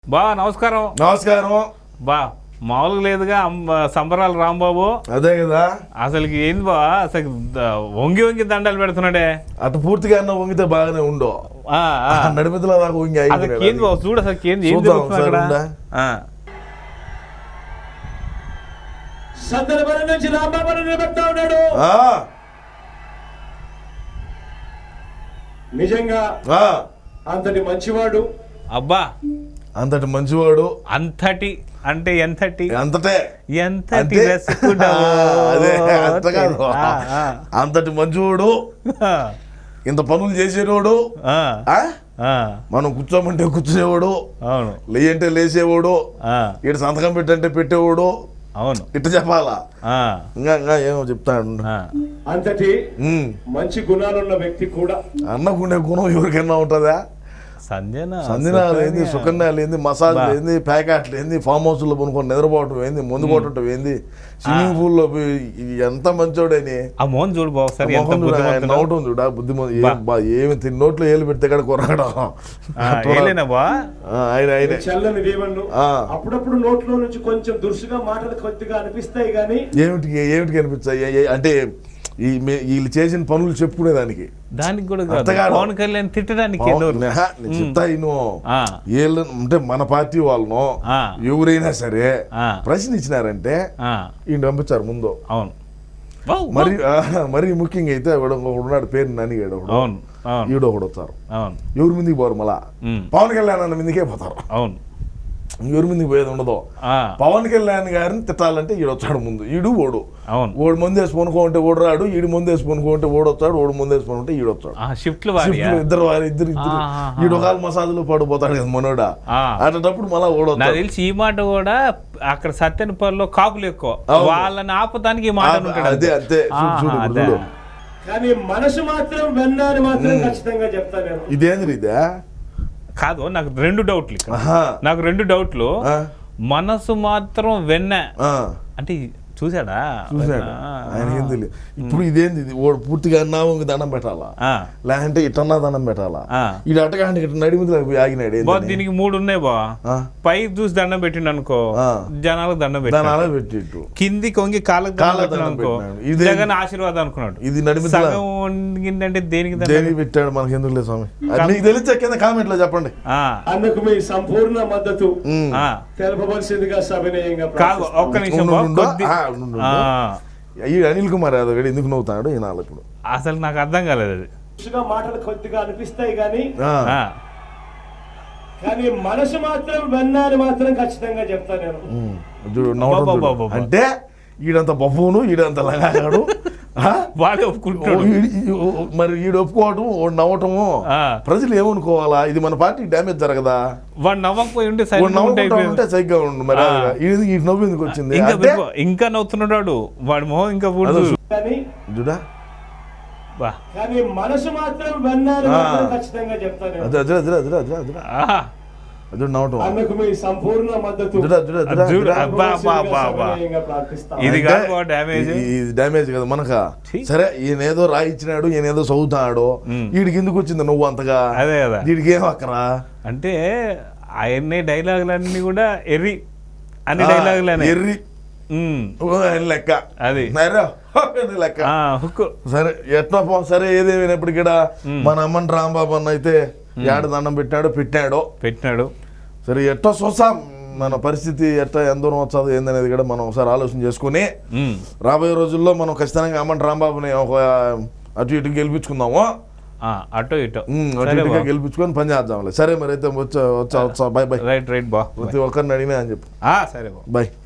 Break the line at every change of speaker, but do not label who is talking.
బా నమస్కారం.
నమస్కారం.
బా మామూలుగా లేదుగా సంబరాలు రాంబాబు.
అదే కదా
అసలుకి ఏంది బా, అసలు వంగి వంగి దండాలు పెడుతున్నాడే.
అటు పూర్తిగా అన్న వంగితే బాగానే ఉండో, నడిమిదిలో దాకా వంగి
ఏంది బాబు చూడు, అసలు ఏంది ఏం జరుగుతుంది అక్కడ.
సందర్భం నుంచి రాంబాబు నిలబెడతా ఉన్నాడు. నిజంగా అంతటి మంచివాడు.
అబ్బా
అంతటి మంచివాడు.
అంతటి అంటే ఎంతటి
అంతటే
ఎంతటి
అదే అంత కాదు, అంతటి మంచివాడు, ఇంత పనులు చేసేవాడు, మనం కూర్చోమంటే కూర్చునేవాడు,
అవును
లేయంటే లేచేవాడు, ఇటు సంతకం పెట్టంటే పెట్టేవాడు.
అవును
ఇట్ట చెప్పాలా, ఇంకా ఏమో చెప్తాడు.
అంతటి మంచి గుణాలున్న వ్యక్తి కూడా.
అన్నకుండే గుణం ఎవరికైనా ఉంటుందా? సంజనాలు ఏంది, సుకన్యాలు ఏంది, మసాజ్లు ఏంది, ప్యాకెట్లు ఏంది, ఫామ్ హౌస్లో కొనుక్కొని నిద్రపోవటం ఏంది, ముందు కొట్టడం ఏంది, స్విమ్మింగ్ పూల్ లో ఎంత మంచోడని
చూడు
నవ్వటం చూడ బుద్ధిమంత. ఏమి నోట్లో ఏలు పెడితే కూడా కొరగడం.
చల్లని దేవుళ్ళు అప్పుడప్పుడు నోట్లో నుంచి కొంచెం దురుసుగా మాటలు కొద్దిగా అనిపిస్తాయి కానీ
ఏమిటి కనిపిస్తాయి అంటే వీళ్ళు చేసిన పనులు చెప్పుకునేదానికి,
దానికి కూడా పవన్ కళ్యాణ్ తిట్టడానికి
చెప్తా. అంటే మన పార్టీ వాళ్ళను ఎవరైనా సరే ప్రశ్నించినారంటే ఈయన పంపించారు ముందు.
అవును
మరి ముఖ్యంగా అయితే ఉన్నాడు పేరు ననిగాడు, ఈడు ఒకడు వస్తారు. ఎవరి ముందుకు పోరు, మళ్ళా పవన్ కళ్యాణ్ అన్న ముందుకే పోతారు.
అవును
ఎవరి ముందుకు పోయేది ఉండదు. పవన్ కళ్యాణ్ గారిని తిట్టాలంటే ఈడు వచ్చాడు ముందు, ఈడు ఓడు. ఓడు ముందు వేసి కొనుక్కుంటే ఓడు రాడు, ఈడు ముందు వేసి కొనుక్కుంటే ఓడు వచ్చాడు, ఓడు ముందు వేసి కొనుక్కుంటే ఈడు వచ్చాడు. ఇద్దరు ఈడు ఒక మసాజులు పడిపోతాడు కదా మనోడా. అటప్పుడు మళ్ళా ఓడు.
నాకు తెలిసి ఈ మాట కూడా అక్కడ సత్యనపల్లిలో కాపులు ఎక్కువ, వాళ్ళని ఆపదానికి ఈ మాట
అదే అంతే.
కానీ మనసు మాత్రం వెన్నాని మాత్రం ఖచ్చితంగా చెప్తాను.
ఇదేంద్ర ఇదే
కాదు, నాకు రెండు డౌట్లు. మనసు మాత్రం వెన్న అంటే చూసాడా
ఆయన ఏం తెలియదు. ఇప్పుడు ఇదేంది, పూర్తిగా అన్నావు దండం పెట్టాలా, లేదంటే ఇటన్నా దండం పెట్టాలా? ఇది అట్టగాంటి నడిమిది ఆగినాడు.
దీనికి 3 ఉన్నాయి బా. పై చూసి దండం పెట్టిండు అనుకో, జనాలకు దండం
పెట్టిండు,
కింది కొంగి కాళ్ళకు దండం అనుకో, జగన్ ఆశీర్వాదం అనుకున్నాడు.
ఇది నడిమిది
అంటే
దేనికి పెట్టాడు మనకి ఎందుకు లేదు స్వామి, మీకు తెలిసే కింద కామెంట్ లో చెప్పండి.
అందుకు మీ సంపూర్ణ మద్దతు తెలపవలసిందిగా సవినయంగా.
కాదు ఒక్క నిమిషం,
ఈ అనిల్ కుమార్ యాదవ్ గడి ఎందుకు నవ్వుతాడు ఈ నాలుగు? ఇప్పుడు
అసలు నాకు అర్థం కాలేదు. అది
మాటలు కొద్దిగా అనిపిస్తాయి కానీ కానీ మనసు మాత్రం వెన్నాని మాత్రం ఖచ్చితంగా చెప్తాను నేను.
అంటే ఈడంత బొబ్బును, ఈడంత లగాడు,
వాడే ఒప్పుకుంటాడు.
మరి ఈడు ఒప్పుకోవటం, నవ్వటము, ప్రజలు ఏమనుకోవాలా? ఇది మన పార్టీకి డ్యామేజ్ జరగదా?
వాడు నవ్వకపోయి ఉంటే
సరిగ్గా ఉండు. మరి ఈ నవ్వు ఎందుకు వచ్చింది?
ఇంకా నవ్వుతున్నాడు వాడు మొహం ఇంకా
చూడా.
కానీ మనసు మాత్రం వెన్నాని మాత్రం ఖచ్చితంగా చెప్తాను. సంపూర్ణ మద్దతు.
డ్యామేజ్ కదా మనక. సరే ఈయనేదో రాయిచ్చినాడు, ఈయనేదో చదువుతాడు, వీడికి ఎందుకు వచ్చింది నువ్వు అంతగా?
అదే కదా,
వీడికి ఏం అక్కరా
అంటే ఆయన్ని డైలాగులన్నీ కూడా ఎర్రి అన్ని డైలాగులు ఎర్రి
లెక్క.
అది
లెక్క. సరే ఎట్లా సరే ఏదేమైనప్పటికీ మన అమ్మని రాంబాబు అన్న అయితే ఏడు దండం పెట్టాడు. సరే ఎట్లా చూసాం మన పరిస్థితి ఎట్లా ఎంత దూరం వచ్చాదు ఏందనేది కూడా మనం ఒకసారి ఆలోచన చేసుకుని రాబోయే రోజుల్లో మనం ఖచ్చితంగా అమ్మని రాంబాబుని ఒక అటు ఇటు గెలిపించుకుందాము.
అటు ఇటు
గెలిపించుకొని పని చేద్దాం. సరే మరి అయితే వచ్చా బై.
రైట్ బా,
ప్రతి ఒక్కరిని అడిగినా అని చెప్పు.
సరే
బై.